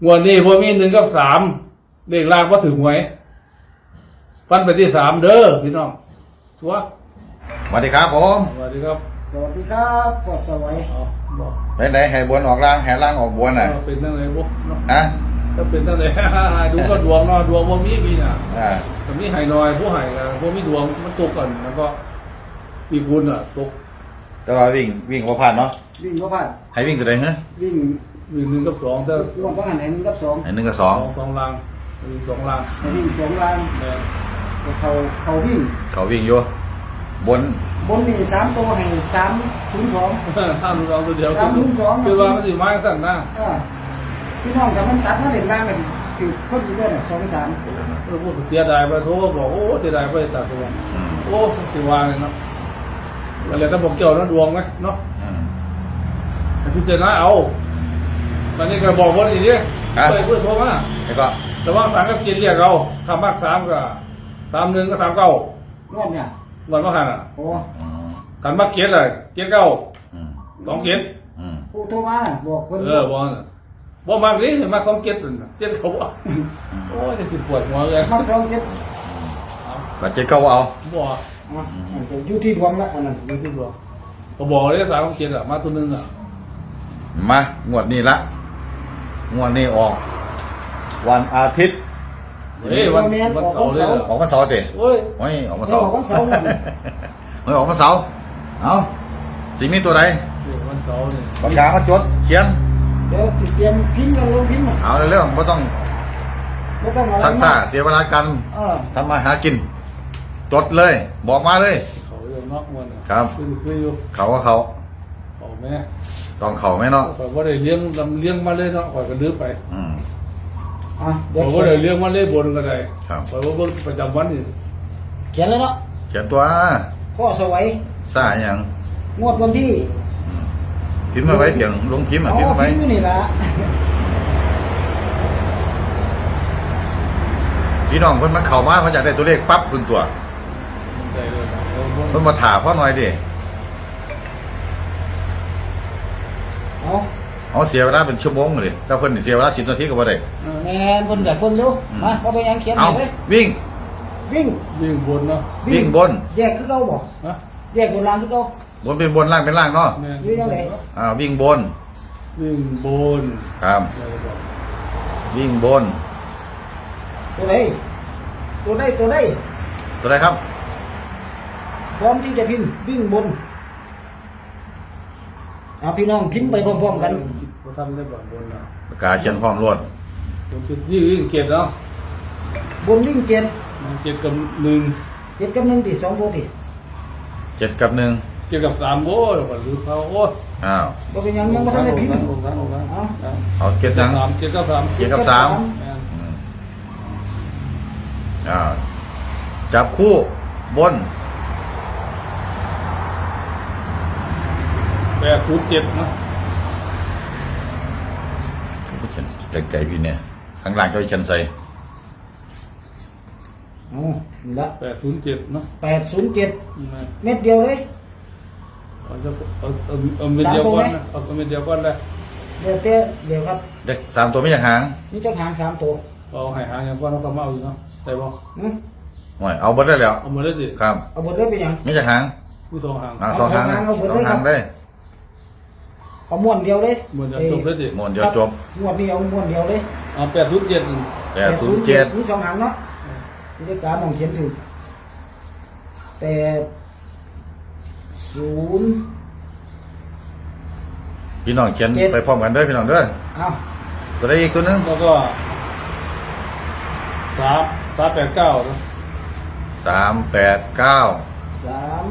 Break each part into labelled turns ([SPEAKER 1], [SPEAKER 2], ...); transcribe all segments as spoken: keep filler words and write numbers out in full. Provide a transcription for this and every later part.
[SPEAKER 1] งวดนี้พอมีหนึ่งกับสามเลขล่างว่าถึงหวยฟันไปที่สามเด้อพี่น้องชัวร์
[SPEAKER 2] สวัสดีครับผม
[SPEAKER 1] สวัสดีครับ
[SPEAKER 3] สวัสดีครับปอดสวัย
[SPEAKER 1] เอาบอก
[SPEAKER 2] ไปไหนแห่บวนออกล่างแห่ล่างออกบวนน่ะ
[SPEAKER 1] เอาเป็นตั้งไหนบุ๊เนาะ
[SPEAKER 2] ฮะ
[SPEAKER 1] ถ้าเป็นตั้งไหน ดูก็ดวงเนาะดวงว่ามีมีน่ะ
[SPEAKER 2] อ่า
[SPEAKER 1] แต่มีไห่น้อยผู้ไห่กันพวกมีดวงมันตกก่อนแล้วก็มีคุณอ่ะตก
[SPEAKER 2] แต่ว่าวิ่งวิ่งว่าผ่านเนาะ
[SPEAKER 3] วิ่งก็ผ่าน
[SPEAKER 2] ให้วิ่งตัวใดฮะ
[SPEAKER 3] วิ่ง
[SPEAKER 1] มีหนึ่งกับสองถ้าร
[SPEAKER 3] วมก็หันไหนหนึ่งกับสอง
[SPEAKER 2] ให้หนึ่งกับสอง
[SPEAKER 1] สองสองลางมีสองลาง
[SPEAKER 3] ให้วิ่งสองลาน
[SPEAKER 1] แม่
[SPEAKER 3] เขาเขาวิ่ง
[SPEAKER 2] เขาวิ่งอยู่บน
[SPEAKER 3] บนนี่สามตัวให้สามศูนย์สอง
[SPEAKER 1] ห้ามลองตัวเดียว
[SPEAKER 3] สามศูนย์สอง
[SPEAKER 1] คือว่ามันสิไม้สั่นหน้า
[SPEAKER 3] อ่าพี่น้องกับมันตัดมาเล่นล่างกันถือพอดีด้วยนะสองสาม
[SPEAKER 1] เออพูดเสียดายไปโทรบอกโอ้เสียดายไปตัดตัว
[SPEAKER 2] อืม
[SPEAKER 1] โอ้สิวางเลยเนาะอะไรถ้าบอกเกี่ยวนะดวงไหมเนาะ
[SPEAKER 2] อืม
[SPEAKER 1] ให้พิจารณาเอาตอนนี้ก็บอกว่าอย่างนี้เพื่อเพื่อโทรมา
[SPEAKER 2] แล้วก็
[SPEAKER 1] แต่ว่าสามกับกินเรียกเราทำมากสามก็สามหนึ่งก็สามเก้าร
[SPEAKER 3] อบเนี่ย
[SPEAKER 1] วันมาหันอ่ะ
[SPEAKER 3] โอ้
[SPEAKER 2] อืม
[SPEAKER 1] กันมากเกียรเลยเกียรเก้า
[SPEAKER 2] อืม
[SPEAKER 1] สองเกียร
[SPEAKER 2] อืม
[SPEAKER 3] ผู้โทรมาน่ะบอกคน
[SPEAKER 1] เออบอกน่ะบอกมากนี้มาสองเกียรเกียรเขาบอกโอ้ยจะสิปวดหัวเลย
[SPEAKER 3] มาสองเจ็ด
[SPEAKER 2] ก็เจ็ดเก้าเอา
[SPEAKER 1] บอก
[SPEAKER 3] อ่ะอยู่ที่ดวงละอันนั้น
[SPEAKER 1] ดูที่บอกก็บอกเลยสามเกียรอ่ะมาตัวนึงอ่ะ
[SPEAKER 2] มางวดนี้ละงวดนี้ออก วันอาทิตย์
[SPEAKER 1] เฮ้ยวันวันเสาร์เลยเหรอ
[SPEAKER 2] ออกวันเสาร์เตะ
[SPEAKER 1] โอ้ย
[SPEAKER 2] โอ้ยออกวัน
[SPEAKER 3] เขา
[SPEAKER 2] เสาร์
[SPEAKER 3] บอกว่าเสาร์นั่น
[SPEAKER 2] เฮ้ยออกวันเสาร์เอาสิ่งนี้ตัวใด
[SPEAKER 1] วันเสาร์เนี่ย
[SPEAKER 2] ปากกาเขาจดเขียน
[SPEAKER 3] เดี๋ยวสิเตรียมพิมพ์กันลงพิมพ์อ่ะ
[SPEAKER 2] เอาเรื่องไม่ต้อง
[SPEAKER 3] ไม่ต้องอะไร
[SPEAKER 2] ทักษะเสียเวลากัน
[SPEAKER 3] เออ
[SPEAKER 2] ทำมาหากิน จดเลย บอกมาเลย
[SPEAKER 1] เขาเรื่องนอกวันอ่ะ
[SPEAKER 2] ครับ
[SPEAKER 1] คือคืออยู่
[SPEAKER 2] เขาก็เขา
[SPEAKER 1] เขาแม่
[SPEAKER 2] ต้องเขาไหมเนาะ
[SPEAKER 1] ข่อยว่าได้เลี้ยงลำเลี้ยงมาเลยเนาะข่อยก็ลืมไป
[SPEAKER 2] อืม
[SPEAKER 3] อ่ะเดี๋ย
[SPEAKER 1] ข่
[SPEAKER 3] ว
[SPEAKER 1] อย
[SPEAKER 3] เขี
[SPEAKER 1] ว่าได้
[SPEAKER 3] ยน
[SPEAKER 1] เลี้ยงมาเลยบนก็ได้
[SPEAKER 2] ครับ
[SPEAKER 1] ข่อยว่าเบิ่งประจำวันนี่
[SPEAKER 3] เขียนแล้วเนาะ
[SPEAKER 2] เขียนตัว
[SPEAKER 3] พ่อสวัย
[SPEAKER 2] ซ่าอย่าง
[SPEAKER 3] งวดวันที่
[SPEAKER 2] พิมพ์มาไว้เพียงลงพิมพ์อ่ะพิมพ์มาไว้
[SPEAKER 3] พิมพ์อยู่นี่ละ
[SPEAKER 2] พี่น้องเพิ่นมาเข้ามามันอยากได้ตัวเลขปั๊บเพิ่นตัว
[SPEAKER 1] ได้เลยนะเอาเบิ่ง
[SPEAKER 2] เพิ่นมาถามพ่อหน่อยดิ
[SPEAKER 3] เอา
[SPEAKER 2] เอาเสียเวลาเป็นชั่วโมงเลยถ้าเพิ่นเสียเวลาสิบนาทีก็บ่ได้
[SPEAKER 3] แมนคนอยากคนเร็วมาเอาไปยังเขียน
[SPEAKER 2] เอา
[SPEAKER 3] ไปเลย
[SPEAKER 2] วิ่ง
[SPEAKER 3] วิ่ง
[SPEAKER 1] วิ่งบนเนาะ
[SPEAKER 2] วิ่งบน
[SPEAKER 3] แยกคือเก่าบ่
[SPEAKER 1] นะ
[SPEAKER 3] แยกโบราณคือเก่า
[SPEAKER 2] บนเป็นบนล่างเป็นล่างเนาะ
[SPEAKER 1] แม่
[SPEAKER 3] วิ่งยังไง
[SPEAKER 2] อ่าวิ่งบน
[SPEAKER 1] วิ่งบน
[SPEAKER 2] ครับ
[SPEAKER 1] ได้บอก
[SPEAKER 2] วิ่งบน
[SPEAKER 3] ตัวไหนตัวไหนตัวไหน
[SPEAKER 2] ตัวใดครับ
[SPEAKER 3] พร้อมที่จะพิมพ์วิ่งบนเอาพี่น้องพิมพ์ไปพร้อมๆกัน
[SPEAKER 1] บ่ทำได้บ่บนนะ
[SPEAKER 2] ปากกาเขียนพร้อมรวด
[SPEAKER 1] ผมคิดวิ่งวิ่งเกียรเนาะ
[SPEAKER 3] บนวิ่งเจ็ด
[SPEAKER 1] มันเกียรกับหนึ่ง
[SPEAKER 3] เจ็ดกับหนึ่งติสองตัวติ
[SPEAKER 2] เจ็ดกับหนึ่ง
[SPEAKER 1] เกียรกับสามโอ้ยก่อนลืมเขาโอ้ย
[SPEAKER 2] อ้าว
[SPEAKER 3] บ่เป็นหยังยังบ่ทันได้พิมพ์
[SPEAKER 1] ลงนั้นลงนั้นลงนั้นเอา
[SPEAKER 2] เอาเจ็ด
[SPEAKER 1] เกีย
[SPEAKER 2] ยั
[SPEAKER 1] รง สามเกียรกับสาม
[SPEAKER 2] เจ็ดกับสาม
[SPEAKER 1] แม่น
[SPEAKER 2] อืมอ้าวจับคู่บน
[SPEAKER 1] แปดศูนย์เจ็ดเนาะ
[SPEAKER 2] ไก่ๆพี่เนี่ยข้างล่างก็ให้ฉันใส่
[SPEAKER 3] เอานี่ละ
[SPEAKER 1] แปดศูนย์เจ็ดเนาะ
[SPEAKER 3] แปดศูนย์เจ็ด
[SPEAKER 1] แม่น
[SPEAKER 3] เม็ดเดียวเลย
[SPEAKER 1] เอาจะเอาเอาเอาเม็ดเดียวก่อนนะเอาเม็ดเดียวก่อนเลย
[SPEAKER 3] เดี๋ยวเต้เดี๋ยวครับ
[SPEAKER 2] เด็กสามตัวไม่อยากหาง
[SPEAKER 3] นี่เจ้าหางสามตัว
[SPEAKER 1] เอาให้หางอย่างก่อนเราก็มาเอาอยู่เนาะได้บ่
[SPEAKER 3] หืม
[SPEAKER 2] ห่วยเอาเบดได้แล้ว
[SPEAKER 1] เอามาเลยสิ
[SPEAKER 2] ครับ
[SPEAKER 3] เอาบทเลยไปหยัง
[SPEAKER 2] ไม่อยากหาง
[SPEAKER 1] ผู้สองหาง
[SPEAKER 2] อ่าสองหางนะ
[SPEAKER 3] เอาหางเอา
[SPEAKER 2] สองหาง
[SPEAKER 3] เอา
[SPEAKER 2] ได้
[SPEAKER 3] เอาม้วนเดียวเลย
[SPEAKER 1] เหมือนจะจบเลยสิ
[SPEAKER 2] หมวนเดียวจบ
[SPEAKER 3] ม้วนเดียวม้วนเดียวเลย
[SPEAKER 1] เอาแปดศูนย์เจ็ด
[SPEAKER 2] แปดศูนย์เจ็ด
[SPEAKER 3] มีสองหางเนาะสิได้การมองเขียนถูกแปดศูนย์
[SPEAKER 2] พี่น้องเขียน
[SPEAKER 3] เจ็ด
[SPEAKER 2] ไปพร้อมกันเด้อพี่น้องเด้อ
[SPEAKER 3] เอา
[SPEAKER 2] ตัวได้อีกตัวหนึง
[SPEAKER 1] แล้วก็สามสามแปดเก้าเนาะ
[SPEAKER 2] สามแปดเก้า
[SPEAKER 3] สาม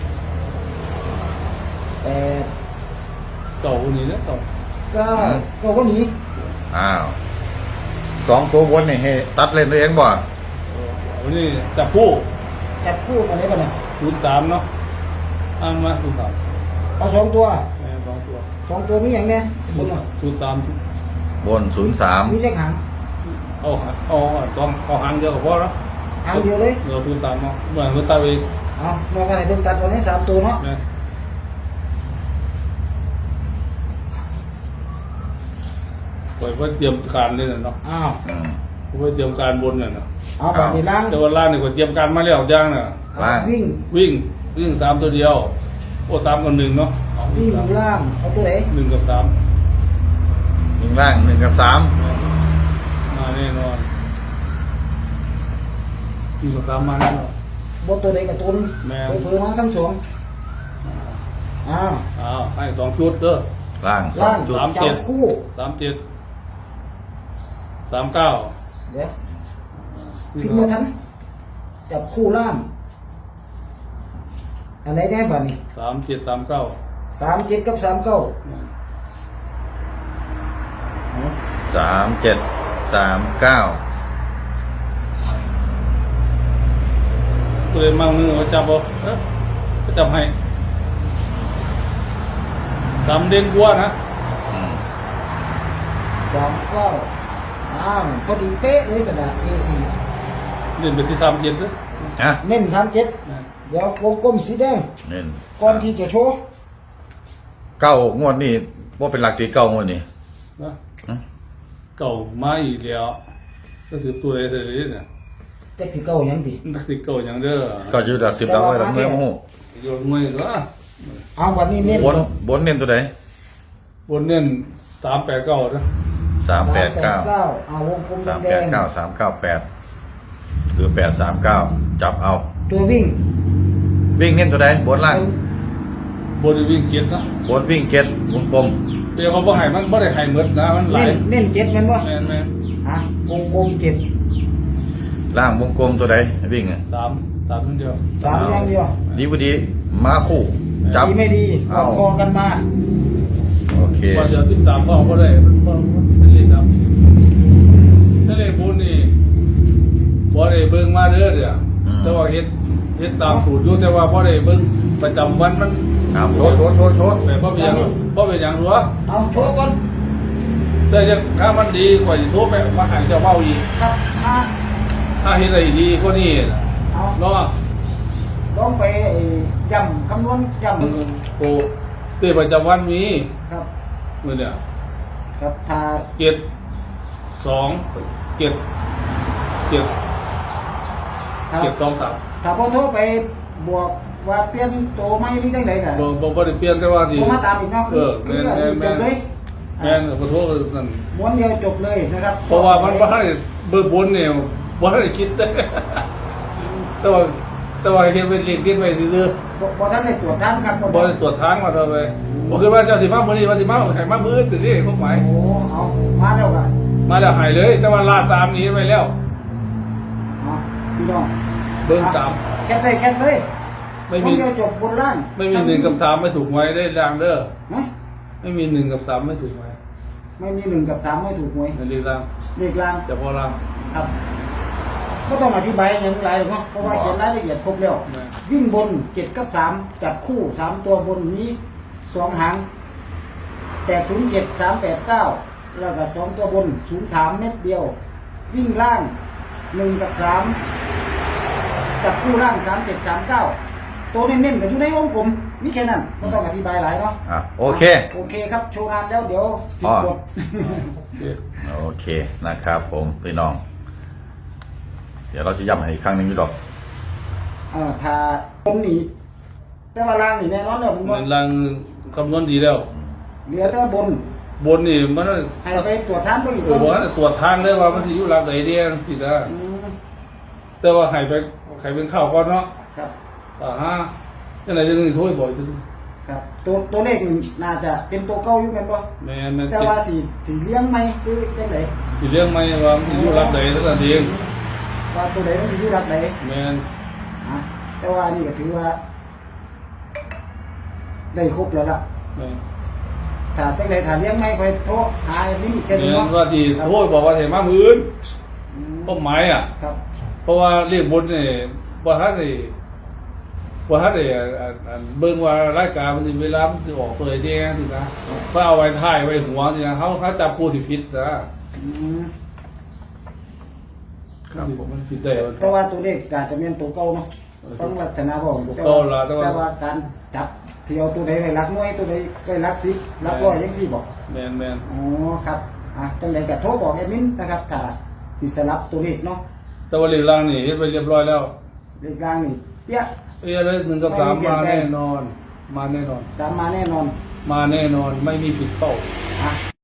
[SPEAKER 3] แปด
[SPEAKER 1] เก่าคนนี้นะเก่า
[SPEAKER 3] เก้าเก้าก็หนี
[SPEAKER 2] อ้าวสองตัวบนนี่ให้ตัดเล่นตัวเองบ่
[SPEAKER 1] วันนี้จับผู้
[SPEAKER 3] จับคู่กันได้ป่ะเนี่ย
[SPEAKER 1] ศูนย์สามเนาะอ้างมาศูนย์สาม
[SPEAKER 3] เอาสองตัว
[SPEAKER 1] แม่สองตัว
[SPEAKER 3] สองตัวมีอย่างเนี้ยบนน่ะ
[SPEAKER 1] ศูนย์สาม
[SPEAKER 2] บนศูนย์สาม
[SPEAKER 3] มีเจ้าหาง
[SPEAKER 1] เอาเอาต้องเอาหางเดียวกับพ่อแล้ว
[SPEAKER 3] หางเดียวเลย
[SPEAKER 1] เดี๋ยวศูนย์สามเนาะเหมือนเมื่อตาเอง
[SPEAKER 3] เอาเราก็ให้เป็นตัดตัวนี้สามตัวเนาะ
[SPEAKER 1] แม่ปล่อยเพื่อเตรียมการนี่น่ะเนาะ
[SPEAKER 3] อ้าว
[SPEAKER 2] อืม
[SPEAKER 1] เพื่อเตรียมการบนน่ะเนาะ
[SPEAKER 3] เอาแบบนี้ล้าง
[SPEAKER 1] แต่ว่าล่างนี่ก็เตรียมการมาแล้วย่างน่ะ
[SPEAKER 2] ล่าง
[SPEAKER 3] วิ่ง
[SPEAKER 1] วิ่งวิ่งสามตัวเดียวโอ้สามกับหนึ่งเนาะเอา
[SPEAKER 3] วิ่งล่างเอาตัวไหน
[SPEAKER 1] หนึ่งกับสาม
[SPEAKER 2] หนึ่งล่างหนึ่งกับสาม
[SPEAKER 1] มาแน่นอนหนึ่งกับสามมาแน่นอน
[SPEAKER 3] บนตัวไหนกับตุน
[SPEAKER 1] แม่
[SPEAKER 3] เพิ่มมาทั้งสองอ้าว
[SPEAKER 1] อ้าวให้สองชุดเด้อ
[SPEAKER 2] ล่างสอ
[SPEAKER 3] ล่าง ง
[SPEAKER 2] จุด
[SPEAKER 1] สามเจ็
[SPEAKER 3] จั
[SPEAKER 1] ด
[SPEAKER 3] บคู่
[SPEAKER 1] สามเจ็ดสามเก้า
[SPEAKER 3] เดี๋ยวพิมพ์มาทันจับคู่ล่างอะไรแน่บ้านี่
[SPEAKER 1] สามเจ็ดสามเก้า
[SPEAKER 3] สามเจ็ดกับสามเก้า
[SPEAKER 2] สามเจ็ดสามเก้า
[SPEAKER 1] ตัวเองมามือเขาจับบ่เอ้อเขาจับให้สามเด่นกว่านะ
[SPEAKER 2] อืม
[SPEAKER 3] สามเก้าอ้าวพอดีเป๊ะเลยกระดาษ เอ สี่
[SPEAKER 1] เด่นไปที่สามเจ็ดเด้อ
[SPEAKER 2] ฮะ
[SPEAKER 3] เน้นสามเจ็ดเดี๋ยววงกลมสีแดง
[SPEAKER 2] เน้น
[SPEAKER 3] ก่อนที่จะโชว์
[SPEAKER 2] เก้างวดนี่ว่าเป็นหลักตีเก้างวดนี่
[SPEAKER 1] นะ
[SPEAKER 2] อืม
[SPEAKER 1] เก่ามาอีกแล้วก็คือตัวอะไรตัวนี้เนี่ย
[SPEAKER 3] จะคือเก้ายังดี
[SPEAKER 1] นักสิเก่าอย่างเด้อ
[SPEAKER 2] ก็อยู่หลักสิบแล้วไว้หลักเมื่อโมโห
[SPEAKER 1] โยนมวยก็
[SPEAKER 3] เอาวันนี้เน้น
[SPEAKER 2] บนบนเน้นตัวไหน
[SPEAKER 1] บนเน้นสามแปดเก้านะ
[SPEAKER 2] สามแปดเก้า
[SPEAKER 3] เอาวงกลม
[SPEAKER 2] สาม
[SPEAKER 3] แด
[SPEAKER 2] แปด
[SPEAKER 3] ง
[SPEAKER 2] เก้าสามเก้าแปดหรือแปดสามเก้าจับเอา
[SPEAKER 3] ๆตัววิ่ง
[SPEAKER 2] วิ่งเน้นตัวใดบนล่าง
[SPEAKER 1] บนวิ่งเจ็ดนะ
[SPEAKER 2] บนวิ่งเก็ตวงกลม
[SPEAKER 1] เดี๋ยวเขาบ่ให้มันบ่ได้ให้หมดนะมันหลา
[SPEAKER 3] เน้
[SPEAKER 1] ย
[SPEAKER 3] นเน้นเจ็ดแมันวะ
[SPEAKER 1] แม่นแม่น
[SPEAKER 3] ฮะวงกลมเจ็ด
[SPEAKER 2] ล่างวงกลมตัวใดวิ่งอ่ะ
[SPEAKER 1] สามสามคนเดียว
[SPEAKER 3] สามอย่างเดียว
[SPEAKER 2] ดีพอดีมาคู่จับ
[SPEAKER 3] ดีไม่ดี
[SPEAKER 2] เอา
[SPEAKER 3] คอกันมา
[SPEAKER 2] โอเค
[SPEAKER 1] ว่าจะติดตามพ่อบ่ได้มันบ่มันเรียนครับถ้าได้บุญนี่บ่ได้เบิ่งมาเด้อเด้อแต่ว่าเฮ็ดเฮ็ดตามสูตรอยู่แต่ว่าบ่ได้เบิ่งประจำวันมัน
[SPEAKER 2] ครับโชว์โชว์โชว์โชว์
[SPEAKER 1] แต่บ่เป็นหยังบ่เป็นหยังหรอก
[SPEAKER 3] เอาโชว์ก่อน
[SPEAKER 1] แต่จะถ้ามันดีกว่าสิโทรไปมาให้เจ้าเว้าอีก
[SPEAKER 3] ครับมา
[SPEAKER 1] ถ้าเฮ็ดได้ดีกว่านี้
[SPEAKER 3] เอา
[SPEAKER 1] เนาะ
[SPEAKER 3] ลองไปย้ำคำนวณย้
[SPEAKER 1] โอ้เตประจำวันมี
[SPEAKER 3] ำครับ
[SPEAKER 1] มื้อเนี่ย
[SPEAKER 3] ครับถ้า
[SPEAKER 1] เจ็ดสองเจ็ดเจ็ด
[SPEAKER 3] ถ้า
[SPEAKER 1] เจ็ดสองสาม
[SPEAKER 3] ถ้าพอโทรไปบวกว่าเปลี่ยนตัวไม่หรือจังไดกัน
[SPEAKER 1] บ่บ่บ่ได้เปลี่ยนแต่ว่าที่
[SPEAKER 3] ผมมาตามอีกเนาะ
[SPEAKER 1] เอ
[SPEAKER 3] คือ
[SPEAKER 1] อ
[SPEAKER 3] คือ
[SPEAKER 1] แม่น
[SPEAKER 3] อัน
[SPEAKER 1] แม่
[SPEAKER 3] นี้
[SPEAKER 1] น
[SPEAKER 3] จ
[SPEAKER 1] แม่
[SPEAKER 3] บ
[SPEAKER 1] น
[SPEAKER 3] เลย
[SPEAKER 1] แม่นขอโทษนั่น
[SPEAKER 3] ม้วนเดียวจบเลยนะครับ
[SPEAKER 1] เพราะว่ามันบ่ได้เบิ่งบนเนี่ยบ่ได้คิด เด้แต่ว่าแต่ว่าเฮ็ดเป็นเรียนคิดไว้ซื่อ
[SPEAKER 3] บ่บ่ท่านได้ตรวจท่านครับ
[SPEAKER 1] ๆบ่ได้ตรวจทางมาเท่าไปบ่คือว่าเจ้าสิมามื้อนี้ว่าสิมาให้มามื้ออื่นสินี่ความหมาย
[SPEAKER 3] โอ้เอามาแล้วกัน
[SPEAKER 1] มาแล้วให้เลย แต่ว่าลาดตามนี้ไว้แล้ว
[SPEAKER 3] เอาพี่น้อง
[SPEAKER 1] เบิ่งสาม
[SPEAKER 3] แคปเลยแคปเลย
[SPEAKER 1] ไม่
[SPEAKER 3] ม้
[SPEAKER 1] มี
[SPEAKER 3] วนเดียวจบบนล่าง
[SPEAKER 1] ไม่มีหนึ่งกับสามไม่ถูกไว้ได้ดังเด้อ
[SPEAKER 3] นะ
[SPEAKER 1] ไม่มีหนึ่งกับสามไม่ถูกไว้
[SPEAKER 3] ไม่มีหนึ่งกับสามไม่ถูกหวย
[SPEAKER 1] ในเรียงล่าง
[SPEAKER 3] เลขล่าง
[SPEAKER 1] แต่พอล่าง
[SPEAKER 3] ครับก็ต้องอธิบายอย่างไรหรอกเนาะเพราะว่าเขียนรายละเอียดครบแล้ว
[SPEAKER 1] แม่
[SPEAKER 3] วิ่งบนเจ็ดกับสามจับคู่สามตัวบนนี้สองหางแปดศูนย์เจ็ดสามแปดเก้าแล้วก็สองตัวบนศูนย์สามเม็ดเดียว วิ่งล่างหนึ่งกับสามจับคู่ล่างสามเจ็ดสามเก้าตัวเน้นๆกับอยู่ในวงกลมมีแค่นั้นไม่ต้องอธิบายหลายเนาะ
[SPEAKER 2] อ่ะโอเค
[SPEAKER 3] โอเคครับโชว์งานแล้วเดี๋ยวผิดกฎ
[SPEAKER 2] โอเคนะครับผมพี่น้อง เดี๋ยวเราจะย้ำให้อีกครั้งหนึ่งอยู่ดอก
[SPEAKER 3] เอ่อถ้าบนนี้แต่ว่าล่างนี่แน่นอนแล้วผม
[SPEAKER 1] เห
[SPEAKER 3] ว่า
[SPEAKER 1] มือนล่างคำนวณดีแล้ว
[SPEAKER 3] เหลือแต่บน
[SPEAKER 1] บนนี่มัน
[SPEAKER 3] ให้ไปตรวจท่านไปอีก
[SPEAKER 1] เออบอกว่าตรวจทางได้ว่ามันสิอยู่หลักไหนเดียสินะ
[SPEAKER 3] อืม
[SPEAKER 1] แต่ว่าให้ไปให้เป็นข้าวก่อนเนาะ
[SPEAKER 3] ครับ
[SPEAKER 1] อ่าฮะจังไหนจะนึงโทรบ่อยจัง
[SPEAKER 3] ครับตัวตัวเลขนี่น่าจะเป็นตัวเก่าอยู่แม่นบ่
[SPEAKER 1] แม่นแม่น
[SPEAKER 3] แต่ว่าสิสิเลี้ยงไหมคือจังได
[SPEAKER 1] สิเรื่องไหมว่ามันสิอยู่หลักไหนเท่านั้นเอง
[SPEAKER 3] ว่าตัวใดมันสิอยู่รักใด
[SPEAKER 1] แม่น
[SPEAKER 3] อ่ะแต่ว่านี่ก็ถือว่า ได้ครบแล้วล่ะ
[SPEAKER 1] แม่น
[SPEAKER 3] ถ้าจังไดถ้าเลี้ยงไหมค่อยโทรหาอันนี้แค่นี้
[SPEAKER 1] แม่น
[SPEAKER 3] เนาะ
[SPEAKER 1] ว่าที่โทรบอกว่าให้มามื้ออื่น
[SPEAKER 3] อืม
[SPEAKER 1] ก็หมายอ่ะ
[SPEAKER 3] ครับ
[SPEAKER 1] เพราะว่าเรียกบนนี่บ่ทันได้บ่ทันได้อ่าอ่าอ่าเบิ่งว่ารายการมันสิเวลามันสิออกตัวใดแดงสินะเพื่อเอาไว้ท้ายไว้หัวสินะเขาเขาจับผู้ที่ผิดนะ
[SPEAKER 3] อืม
[SPEAKER 1] ครับผมมันผิดได้ว่า
[SPEAKER 3] แต่ว่าตัวเลขอาจจะเป็นตัวเก่าเนาะต้องลักษณะบ่
[SPEAKER 1] ตัวเก่าล่ะแต่ว่า
[SPEAKER 3] แต่ว่าการจับที่เอาตัวใดไว้รักน้อยตัวใดไว้รักสิบรักร้อยจังซี่บ่
[SPEAKER 1] แม่นแม่น
[SPEAKER 3] อ๋อครับอ่ะจังไดก็โทรบอกแอดมินนะครับถ้าสิสลับตัวเลขเนาะ
[SPEAKER 1] แต่ว่าเลขล่างนี่เฮ็ดไปเรียบร้อยแล้ว
[SPEAKER 3] เลขกลางนี่เปี้ย
[SPEAKER 1] เอ้ยเลยหนึ่งกับสามมาแน่นอน มาแน่นอน
[SPEAKER 3] สามมาแน่นอน
[SPEAKER 1] มาแน่นอนไม่มีผิดเป้า
[SPEAKER 3] อ่ะ